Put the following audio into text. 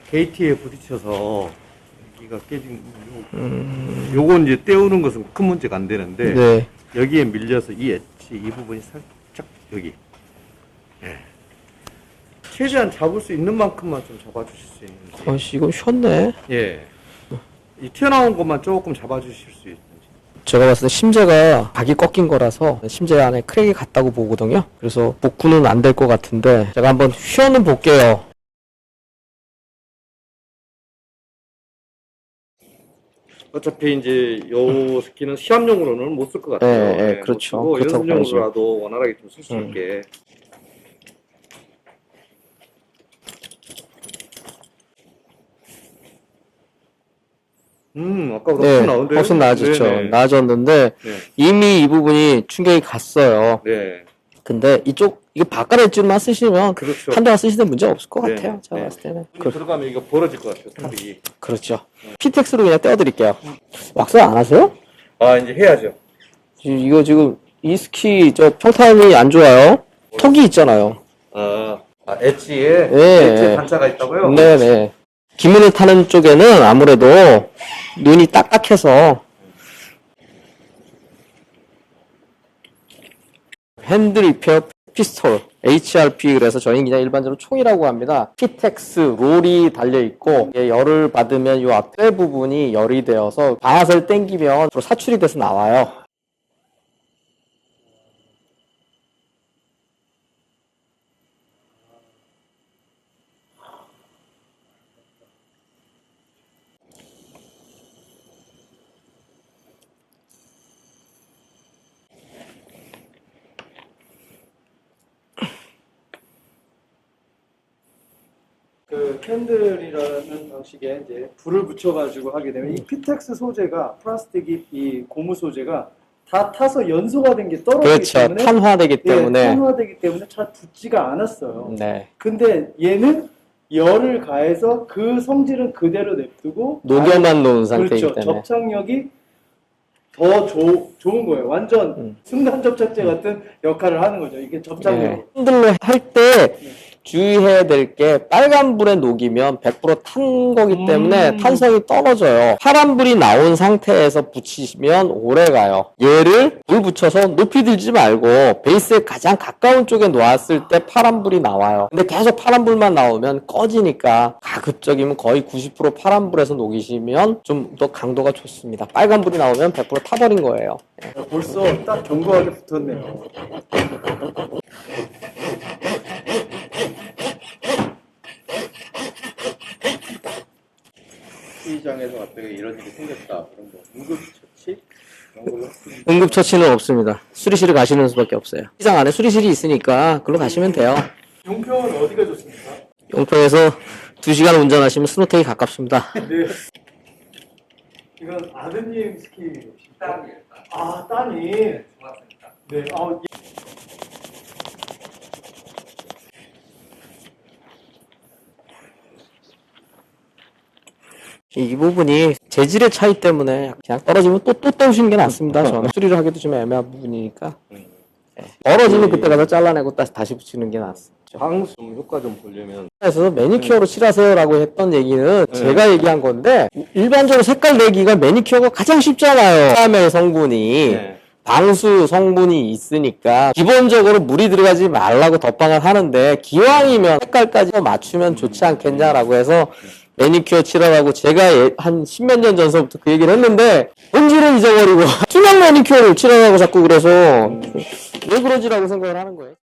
게이트에 부딪혀서 여기가 깨진 요건 이제 떼우는 것은 큰 문제가 안 되는데 네. 여기에 밀려서 이 엣지 이 부분이 살짝 여기 최대한 잡을 수 있는 만큼만 좀 잡아주실 수 있는지. 아씨, 이건 쉬웠네. 예. 이 튀어나온 것만 조금 잡아주실 수 있는지. 제가 봤을 때 심재가 각이 꺾인 거라서 심재 안에 크랙이 갔다고 보거든요. 그래서 복구는 안 될 것 같은데 제가 한번 휘어는 볼게요. 어차피 이제 요 스키는 시합용으로는 못 쓸 것 같아요. 네, 네, 그렇죠. 못 쓰고 그렇다고 연습용으로라도 원활하게 좀 쓸 수 있게. 아까보다 네, 훨씬 나은데요? 훨씬 나아졌죠. 네네. 나아졌는데 네. 이미 이 부분이 충격이 갔어요. 네. 근데 이거 바깥 엣지만 쓰시면 그렇죠. 한동안 쓰시는 문제 없을 것 네, 같아요. 제가 네. 봤을 때는. 눈이 들어가면 이거 벌어질 것 같아요, 탑이. 그렇죠. 피텍스로 그냥 떼어드릴게요. 왁스 안 하세요? 아, 이제 해야죠. 이거 지금 이 스키 저 평탄이 안 좋아요. 턱이 있잖아요. 엣지에 네. 단차가 있다고요? 네네. 기문을 타는 쪽에는 아무래도 눈이 딱딱해서 핸드 리페어 피스톨 HRP, 그래서 저희는 그냥 일반적으로 총이라고 합니다. 피텍스 롤이 달려있고 열을 받으면 이 앞에 부분이 열이 되어서 방아쇠를 당기면 사출이 돼서 나와요. 그 캔들이라는 방식에 이제 불을 붙여가지고 하게 되면 이 피텍스 소재가 플라스틱이 이 고무 소재가 다 타서 연소가 된 게 떨어지기 그렇죠. 때문에 탄화되기 때문에. 탄화되기 때문에 잘 붙지가 않았어요. 네. 근데 얘는 열을 가해서 그 성질은 그대로 냅두고 녹여만 놓은 상태이기 그렇죠. 때문에. 접착력이 더 좋은 거예요. 완전 순간 접착제 같은 역할을 하는 거죠. 이게 접착력. 네. 핸들로 할 때 주의해야 될 게 빨간 불에 녹이면 100% 탄 거기 때문에 탄성이 떨어져요. 파란 불이 나온 상태에서 붙이시면 오래 가요. 얘를 불 붙여서 높이 들지 말고 베이스에 가장 가까운 쪽에 놓았을 때 파란 불이 나와요. 근데 계속 파란 불만 나오면 꺼지니까 가급적이면 거의 90% 파란 불에서 녹이시면 좀 더 강도가 좋습니다. 빨간 불이 나오면 100% 타버린 거예요. 벌써 딱 견고하게 붙었네요. 스키장에서 갑자기 이런 일이 생겼다. 그런 거 응급처치? 그런 걸로? 응급처치는 없습니다. 수리실을 가시는 수밖에 없어요. 시장 안에 수리실이 있으니까 그걸로 가시면 돼요. 용평은 어디가 좋습니까? 용평에서 2시간 운전하시면 스노테이 가깝습니다. 네. 이건 아드님 스키. 딸이에요. 아, 따님. 중학생이다. 네. 이 부분이 재질의 차이 때문에 그냥 떨어지면 또 떼우시는 게 낫습니다. 저는 수리를 하기도 좀 애매한 부분이니까. 떨어지면 그때 가서 잘라내고 다시 붙이는 게 낫죠. 방수 좀 효과 좀 보려면 그래서 매니큐어로 칠하세요라고 했던 얘기는 제가 얘기한 건데 일반적으로 색깔 내기가 매니큐어가 가장 쉽잖아요. 사람의 성분이 방수 성분이 있으니까 기본적으로 물이 들어가지 말라고 덧방을 하는데 기왕이면 색깔까지 맞추면 좋지 않겠냐라고 해서 매니큐어 칠하라고 제가 한 십몇 년 전서부터 그 얘기를 했는데 본질을 잊어버리고 투명 매니큐어를 칠하라고 자꾸 그래서 왜 그러지라고 생각을 하는 거예요.